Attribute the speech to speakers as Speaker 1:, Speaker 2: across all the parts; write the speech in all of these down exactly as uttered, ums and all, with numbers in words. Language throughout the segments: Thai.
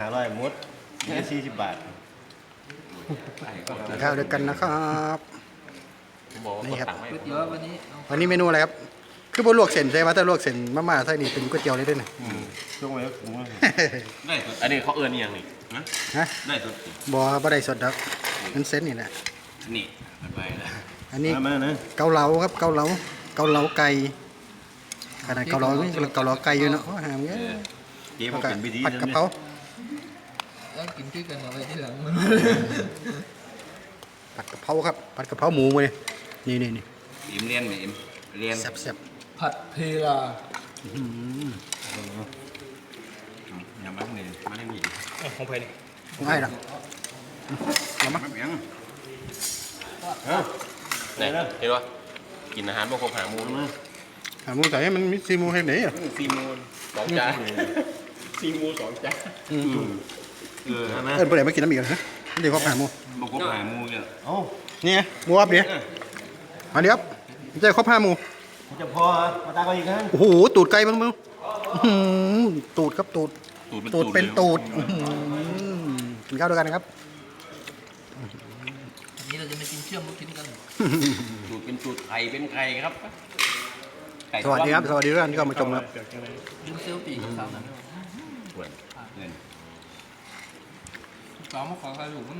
Speaker 1: ร้อยมดนี่สี่สิบบาท
Speaker 2: ข้าวด้วยกันนะครับนี่ครับ
Speaker 3: ก๋วยเตี๋ยววันนี้
Speaker 2: วันนี้เมนูอะไรครับคือบนลวกเส้นใช่ไหมถ้าลวกเส้นมาม่าใส่นี่เป็นก๋วยเตี๋ยวเลยด้วยนะ
Speaker 1: ช่วงไว้ก็คุ้ม
Speaker 4: ได้สุดอันนี้เขาเอิญยังนี่นะ
Speaker 2: ฮะ
Speaker 4: ได้สุด
Speaker 2: บอบ่ได้สดครับมันเส้นนี่แหละ
Speaker 4: นี่ไปแล้ว
Speaker 2: อันนี้
Speaker 1: มานะ
Speaker 2: เกาเหลาครับเกาเหลาเกาเหลาไก่ขนาดเกาเหลาไม่เกาเหลาไก่อยู่เนาะโอ้หามเงี้ย
Speaker 1: เจ๊
Speaker 2: แล้
Speaker 1: มาว
Speaker 2: ก็
Speaker 1: เป็นพิธี
Speaker 2: ผัดกะเพรา
Speaker 3: แล้วกินด้วยกันเอาไว้ที่หลัง
Speaker 2: ผัดกะเพราครับผัดกะเพราหมูมาเลยนี่นี่นี่
Speaker 4: อิมเรียนไหมอิมเรียน
Speaker 2: แซ่บแซ่บ
Speaker 3: ผัดเพลา
Speaker 4: อย่ามาทางนี้มาทางนี้
Speaker 1: ของเพลนี่
Speaker 2: ง่ายหรอเอามา
Speaker 4: มาเบียง
Speaker 1: ไหนนะ
Speaker 4: เห็นปะกินอาหารบางคนหามูล
Speaker 2: หาหมูใส่ให้มันมีซีหมูให้ไหนอ่ะ
Speaker 4: ซีมูลสองจานซีมูสองจาน
Speaker 2: อืม
Speaker 1: เออนะ
Speaker 2: เอิ้นผู้ใดมากินน้ำอีกเหรอฮะเดี๋ยวเขาหาหมู
Speaker 4: บางคนหามูเนี่ย
Speaker 1: เอ้า
Speaker 2: นี่ไงหมูอับเดี๋ยวมาเดี๋ยวจะครบห้าหมู
Speaker 1: จะพอมาตาก็อีกครั้ง
Speaker 2: โอ้โหตูดไก่บ้างมั้งอื้อหือตูดครับตูด
Speaker 4: ตูดเป็น
Speaker 2: ตูดเป็นตูดอื้อหือกินข้าวด้วยกันนะครับ
Speaker 3: อันนี้เราจะไม่กินเชื่อมมากินกัน
Speaker 4: ตูดเป็นตูดไข่เป็นไข่ครับไก่
Speaker 2: สวัสดีครับสวัสดีทุกท่านที่เข้ามาชมครับ
Speaker 3: ดูเซลฟี่สาวนั้น
Speaker 4: ปวดเงิน
Speaker 3: สาวมาขอใครอยู่มั้ง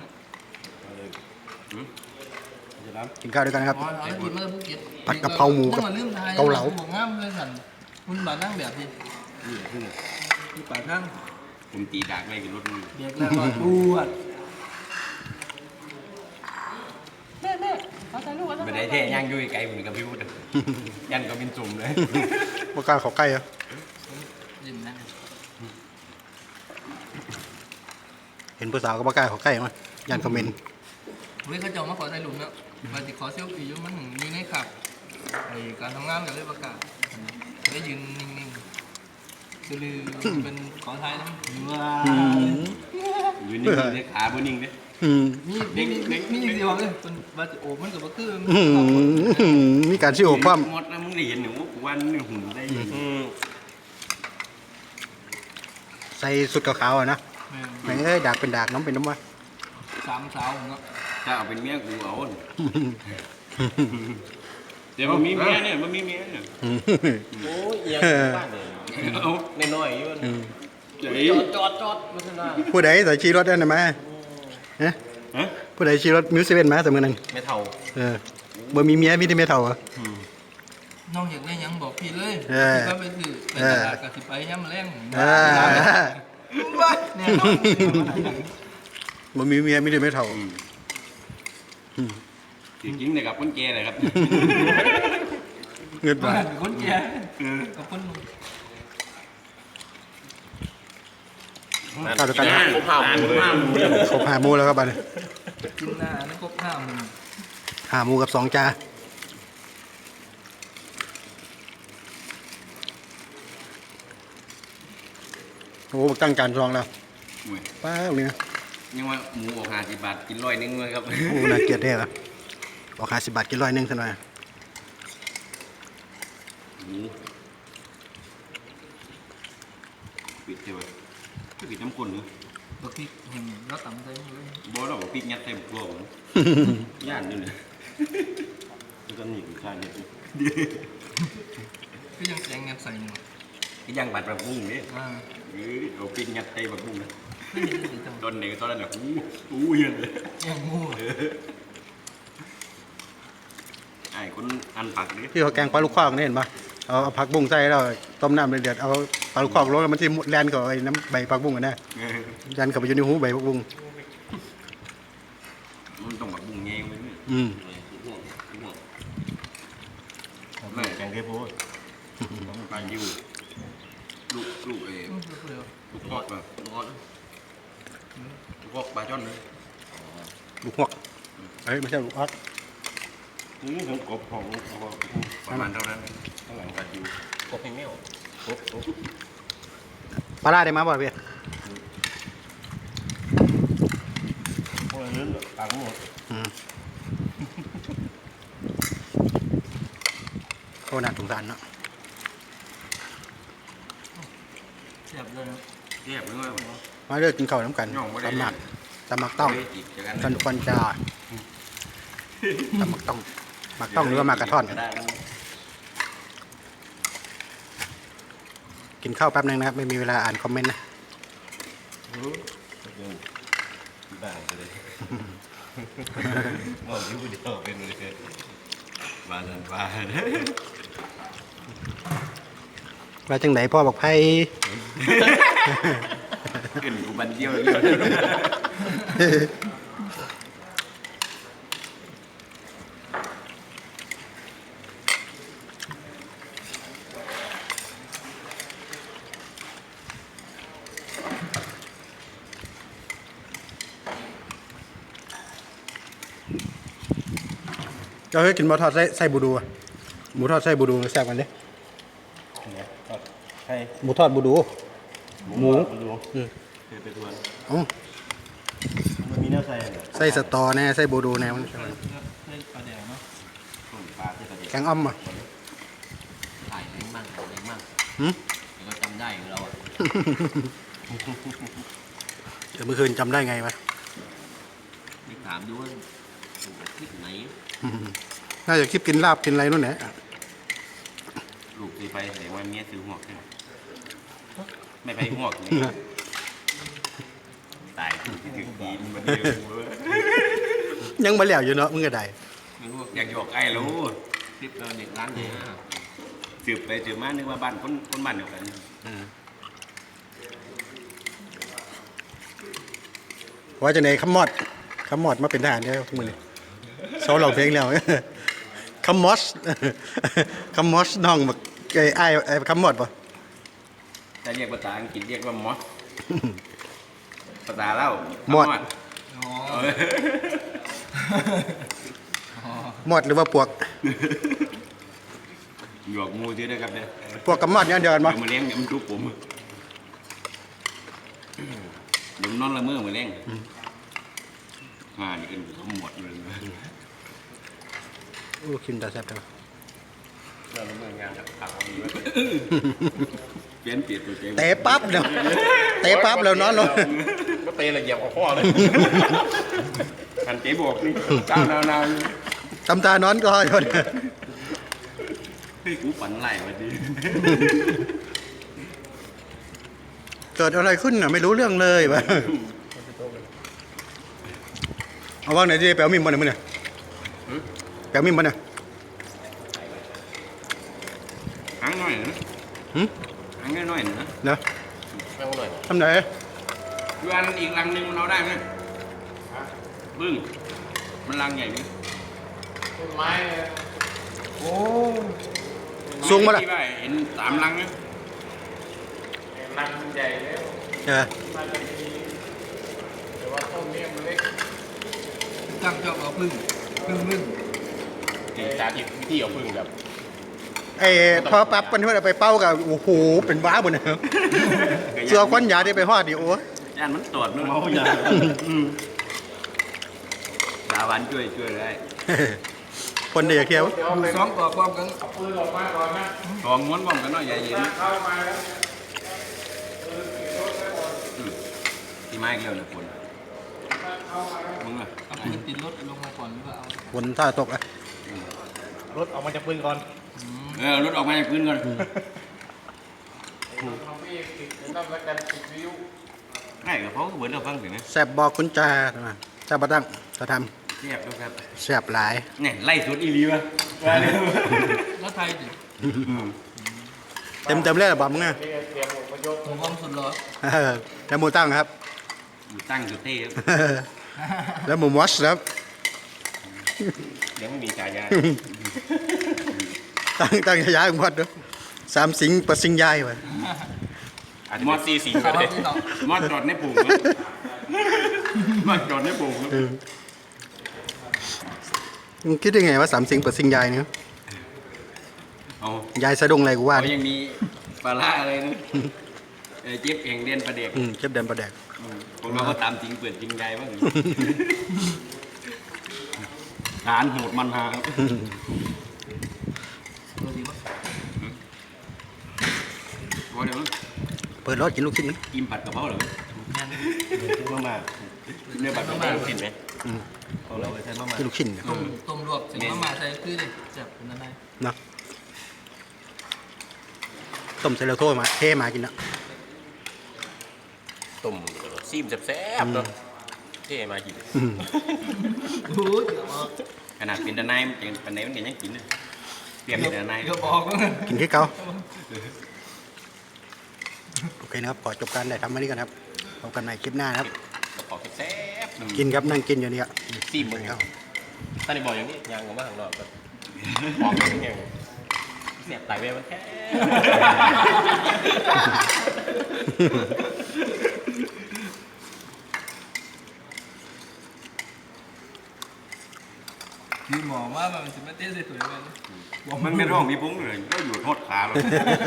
Speaker 1: จะรับ
Speaker 2: กินข้าวด้วยกันครับ
Speaker 3: อ๋อเอากินมาแล้วภูเก็ต
Speaker 2: ผัดกะเพราหมูกับเกาเหลา
Speaker 3: บอกงามเลยสันคุณบานั่งแบบนี้คือป่านั่ง
Speaker 4: ผมตีดากไม่กินรถมึง
Speaker 3: เด็กแล้วก็ปวดแม่แม่เอาใจลูก
Speaker 4: ไม่ได้เท่ย่างยุ่ยไก่เหมือนกับพี่พูดยันก็เป็นจุ่มเลย
Speaker 2: บกล้าขอใกล้อะ
Speaker 3: ยิ้มนะ
Speaker 2: เห็นผู้สาวก็บกล้าขอใกล้มั้ยยันคอมเมนต์
Speaker 3: เฮ้ยเขาจะมาขอถ่ายรูปแล้วมาติดขอเซลฟี่อยู่มันถึงมีในขับไอการทำงานกันเลยประกาศได้ยืนนิ่งๆคือลือเป็นขอไทยนะว้า
Speaker 4: ยืนนิ่งๆเนี่ยขาบนนิ่งเนี่ย
Speaker 2: อืม
Speaker 3: มีมีมีมีจริงๆเลยเป็นบาจิโอมันกับว่าคือ
Speaker 2: อื้อหือมีการชิโอปั้ม
Speaker 4: หมดนะมึงได้เห็นหนูวันหนึ่งหุ่นได้ยิน
Speaker 2: ใส่สุดขาวๆอะนะแม่งเอ้ยดากเป็นดากน้ำเป็นน้ำวะ
Speaker 3: สามสาวผมก็
Speaker 4: ถ้าเอาเป็นเมียกูเอาเดี๋ยวมันมีเมียเนี่ยมันมีเมียเนี่ย
Speaker 1: โอ้ยเอียงบ้านเลย
Speaker 4: เอา
Speaker 1: น้อยๆอยู่
Speaker 2: อืม
Speaker 4: ใจ
Speaker 1: จอดจอดจอดมาขึ้นมา
Speaker 2: ผู้ใดใส่ชีรถได้ไหมฮะ
Speaker 4: ฮะ
Speaker 2: ผู้ใดชีรถมิวสิเว่นมาเสมอนึง
Speaker 1: ไม่เท่า
Speaker 2: เออบ่มีเมียมีแต่เมียเท่าเหรอ
Speaker 3: น้องอยากได้ยังบอกพี่เลย
Speaker 2: เออ
Speaker 3: พี่ก็ไปถือไปตลาดกับสิไปย้ำแรง
Speaker 2: อ่า
Speaker 3: เนี่ยน้อง
Speaker 2: บ่มีเมียมีแต่เมียเท่า
Speaker 4: จริงๆเนี่ยกับคนแก่เลยครับ
Speaker 2: เงินบา
Speaker 3: บ้า
Speaker 2: ท
Speaker 3: นคนแก่กับคน
Speaker 2: ข้าวด้วยกัน
Speaker 4: ครบห้าหมูเลย
Speaker 2: ครบห้าหมูแล้วครับบัดนี้
Speaker 3: กินหน้าไม่ครบห้าหมื่น
Speaker 2: ห้าหมูกับสองจานโอ้โหตั้งการซองแล้วป้าเลยนะ
Speaker 4: ยังว่าหมูออกห้าสิบบาทกินร้อยนึงเลยครับ
Speaker 2: โอ้น่าเกลียดแท้เหรอบอกห้าสิบบาทกินร้อยหนึงซะหน่อย
Speaker 4: หมูปิดใช่ไหมปิดน้ำข้นเนาะ
Speaker 3: บางทีเห็นแล้วต่ำใจเลย
Speaker 4: บอสเราบอกปิดยัดเต็มตัวผมย่านนี่เลย
Speaker 1: ก็หนีกูชาเนี่ย
Speaker 3: ก็ยังแจงเงินใส่หมด
Speaker 4: cái dân bạch là buông đấy
Speaker 3: อ่า
Speaker 4: đầu tiên nhặt tay bạch buông đấy
Speaker 3: ไม่เห็นสีจัง
Speaker 4: tuần này to là cú cú yên đấy
Speaker 3: ยังงู
Speaker 4: ai cũng ăn phạt đấy
Speaker 2: ที่เขาแกงปลาลูกคอกนี่เห็นปะเอาเอาผักบุ้งใส่แล้วต้มน้ำเดือดๆเอาปลาลูกคอกลงแล้วมันจะแลนกับไอ้น้ำใบผักบุ้งกันแน่ยันเข้าไปอยู่ในหูใบผักบุ้ง
Speaker 4: มันต้องbạch buông nghe mới
Speaker 2: อืม
Speaker 1: ไม่แกงเทพูด
Speaker 4: bao nhiêu lụ lụ để
Speaker 3: เร็ว
Speaker 4: lụ ngọt vào lụ ngọt lụ ngọt bà cho nữa
Speaker 2: ลูกหวกเอ้ยไม่ใช่ลูกอัก
Speaker 1: นี่ของกบของ
Speaker 4: ประมาณเท่านั้นข้างหลัง bạch nhiêu
Speaker 1: กบให้แมวกบกบ
Speaker 2: ปลาร้าได้มาบ่เพี่ย
Speaker 1: พวกนั้นตังหมด
Speaker 2: อืมโคตรน่าสงสารเนาะ
Speaker 3: เสียบเลย
Speaker 4: đẹp đúng không
Speaker 2: มาเลิกกินข้าวน้ำกันตำหมักตำหมักต้อง
Speaker 4: อีกจากกัน
Speaker 2: ฟันฟันจาตำหมักต้องหมักต้องหรือว่าหมากกระท่อน กินข้าวแป๊บนึงนะครับไม่มีเวลาอ่านคอมเมนต์นะ
Speaker 1: บ้าไปเลยมองที่ผู้เดียวเป็นเลยบ้านนั้นบ้าน
Speaker 2: ว่าจังไหนพ่อบอกไพ่
Speaker 4: ขึ้นกูบันเดียว
Speaker 2: เราเคยกินหมูทอดไส้ไส้บูดูอะหมูทอดไส้บูดูแซ่บกันเลย
Speaker 1: ใช่
Speaker 2: หมูทอดบูดู หมู
Speaker 1: ดู
Speaker 2: อืม
Speaker 1: เคยไปทวน
Speaker 2: อ๋อ
Speaker 1: มันมีเนื้อใส่เหรอ
Speaker 2: ไส้สตอแน่ไส้บูดูแน่มัน
Speaker 3: เส้นปลาแดงเนาะ
Speaker 1: ต้มปลาที่กระเดีย
Speaker 2: แกงอ้อมอ่ะ
Speaker 4: ถ่ายเล้งมั่งถ่ายเล้งมั่ง
Speaker 2: หืม
Speaker 4: แล้วก็จำได้ของเราอ่ะ
Speaker 2: เดี๋ยวเมื่อคืนจำได้ไงวะ
Speaker 4: นี่ถามดูว่าถูกคลิปไหน
Speaker 2: อืมน่าจะคลิปกินลาบกินอะไรนู่นแหละ
Speaker 4: ลูกซื้อไปแสดงว่าเมียซื้อหัวขึ้นไม่ไปหัวนี่ตายถึงที่ถึงดีมันมาเดียวเว้ย
Speaker 2: ยังมาแล้วอยู่เนาะมึงก็ได้
Speaker 4: ไม่รู้อยากหยอกไอ้รู้คลิปเราเด็กร้านเดียวสืบไปสืบมานึกว่าบ้านคนคนบ้านเดียวกัน
Speaker 2: ว่าจะไหนคำมอดคำมอดมาเป็นทหารได้ทุกมือเลยโซลองเพลงแล้ว คำมอส คำมอสน้องแบบไอ้ไอ้ไอ้คำมอดป่ะ
Speaker 4: ถ้าเรียกภาษาอังกฤษเรียกว่ามอสภาษาเล่าม
Speaker 2: อด
Speaker 3: อ๋อ
Speaker 4: เออ
Speaker 2: มอดหรือว่าปวก
Speaker 4: หยอกงูชื่อนะครับเนี่ย
Speaker 2: ปวกกับมอดเนี่ยเดียวกัน
Speaker 4: เดี๋
Speaker 2: ป่ะ
Speaker 4: ยวมาเลี้ยงเดี๋ยวมันทุบผมเดี๋ยวมันนอนละเมอมาเลี้ยงอ่านี่เป็นขมวดเลย
Speaker 2: โอ้กินตาแซ่บเลย
Speaker 1: เราละเมืองงานกับผักมีไว้
Speaker 4: เปลี่ยนเปลี่ยนตัวเจ๊
Speaker 2: เตะปั๊บเดี๋ยวเตะปั๊บแล้วนอนลง
Speaker 1: ก็เตะละเอียบเอาข้อเลย
Speaker 4: หันเจ๊บอกนี่เจ้านาว
Speaker 2: ทำตานอนก็อยู่
Speaker 4: ๆเฮ้ยกูฝันไหลมาดิ
Speaker 2: เกิดอะไรขึ้นน่ะไม่รู้เรื่องเลยวะเอาว่างไหนดีแปลวมิมบ่เนี่ยมึงเนี่ยแปลวมิมบ่เนี่ย
Speaker 4: หางหน่อยนะ
Speaker 2: หืม
Speaker 4: หางน้อยๆนะ
Speaker 2: เนาะ
Speaker 1: แม่งหน่อย
Speaker 2: ทำไหน
Speaker 4: ดูอันอีกรังหนึ่งมันเอาได้ไหมบึ้งมันรังใหญ่ไหม
Speaker 1: ต้นไม้โอ้
Speaker 2: สูงมาละ
Speaker 4: ที่ว่าเห็นสามรังไหม
Speaker 1: รังใหญ่แล้ว
Speaker 2: เออ
Speaker 1: น่าจะมีแต่ว่าต้นนี้มันเล็ก
Speaker 3: จับจอบเอาพึ่งพึ่งพึ่ง
Speaker 1: จริงสาธิตวิธีเอาพึ่งแบบ
Speaker 2: ไอ้พอปั๊บมันเอาไปเป้ากับโอ้โหเป็นบ้าบนเนี่ยเสือควันยาที่ไปฮอดดิโอ้
Speaker 4: ย่านมันตรวจนู่น
Speaker 1: เมาอย่าง
Speaker 4: ดาวันช่วยช่วยได้
Speaker 2: คนเดียวเที่ยว
Speaker 1: เดี๋ยว
Speaker 3: ดู
Speaker 1: ไป
Speaker 3: สองต่อความกัน
Speaker 1: เอาปืนออกมาก่อนนะ
Speaker 4: ทองม้วนบ้องกันหน่อยใหญ่เย็น
Speaker 1: เข้ามาแล้ว
Speaker 4: ที่ไม้เกี่ยวนะคนมึงอ่ะ
Speaker 3: เอาปืนติดรถลงมาก่อนหรือว่าเอา
Speaker 2: ฝนท่าตกอ่ะ
Speaker 1: รถออกมาจากปืนก่อน
Speaker 4: เออรถออกมาจากพื้นก่อน
Speaker 1: ทำให้ติดนั่นแล้วกันติดวิว
Speaker 4: ง่ายกับเขาเหมือนเราฟังถึงนะ
Speaker 2: แซ่บบอกคุณจ่าจ่าบะตั้งจะท
Speaker 4: เรียบแล้วครับ
Speaker 2: ำแซ่บหลาย
Speaker 4: เนี่ยไล่สุดอีรีวะว่าเลย
Speaker 3: แล้วไทยดิ
Speaker 2: เต็มเต็มๆเลยเหรอบอกมึงอ่ะ
Speaker 1: นี่เตรียมอพยพ
Speaker 3: ผมความสุดเหรอ
Speaker 2: เออแล้วหมูตั้งครับ
Speaker 4: อยู่ตั้งสุดเท่ครับ
Speaker 2: แล้วหมูมอสครับ
Speaker 1: ยังไม่มีฉายา
Speaker 2: ตั้งตั้งฉายาของมอสด้วยสามสิงประสิงยายวะ
Speaker 1: มอสซีสิง
Speaker 3: เอา
Speaker 1: ก็ได้
Speaker 3: ที่ต่อ
Speaker 4: มอดจอดในปุ่งครับมอดจอดในปุ่งครับ
Speaker 2: มึงคิดได้ไงว่าสามสิงประสิงยายเนี่ย
Speaker 4: เอา
Speaker 2: ยายสะดุ้งอะไรกูว่า
Speaker 4: เขายังมีปลาร้าอะไรนะเออเจ็บเองเรียนประเด็ก
Speaker 2: อืมเจ็บเดินประแดก
Speaker 4: ของเราก็ตามจริงเปิดจริงใจบ้างฐานโหดมันหาครับ
Speaker 3: เออดีวะ
Speaker 4: พอเดี๋ยว
Speaker 2: เปิดรถกินลูกชิ้นนะ
Speaker 4: กินผัดกะเพราเหรอ
Speaker 3: แม่น
Speaker 4: มามาเนื้อบัตรไม่ได้กินไหม
Speaker 2: อืม
Speaker 4: ของเราไปใช้มามา
Speaker 2: คือลูกชิ้นนะ
Speaker 3: ต้มต้มลวกเสร็จมามาใส่คือเลยจับเป็นอะไร
Speaker 2: เนาะต้มใส่แล้วโทษมาเทมากินเนาะ
Speaker 4: ต้มซีมแซ่บๆเนาะเท่มากิน
Speaker 2: อืม
Speaker 3: โอ้ยเดี๋ยวบอก
Speaker 4: ขนาดเป็นตะไนมันเป็นตะไนมันยังกินเลยเปรียบเป็นตะไน
Speaker 3: เดี๋ยวบอกว่า
Speaker 2: กินที่เก่าโอเคนะครับขอจบการได้ทำมานี้กันครับพบกันในคลิปหน้านะครับ
Speaker 4: ขอแซ่บๆหนึ่ง
Speaker 2: กินครับนั่งกินอยู่นี่ครับ
Speaker 4: ซีมมึง
Speaker 2: ครับ
Speaker 4: ท่านได้บอกอย่างนี้ยางออกมาข้างนอกก็ออกอย่างนี้เสียบไตเวมันแค่
Speaker 3: คือหมอว่ามันจะไม่เต้นสวยๆเลย
Speaker 4: มันเป็นร่องมีพุ้งเลยก็อยู่ทอดขาเลย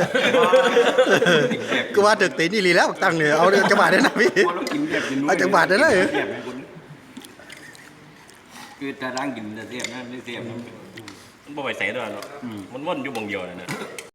Speaker 2: ก็ว่าตึกตีนี่ลีแล้วตั้งเนี่ยเอาจังหวัดได้นะพี่
Speaker 4: พอเรากินแบบกินนู้น
Speaker 2: เอาจังหวัดได้เลย
Speaker 4: เสียบให้คนคือจะร่างกินจะเสียบนะไม่เสียบมันบ่ไปใส่ด้วยเนาะมันว่นอยู่บงเดียวเลยนะ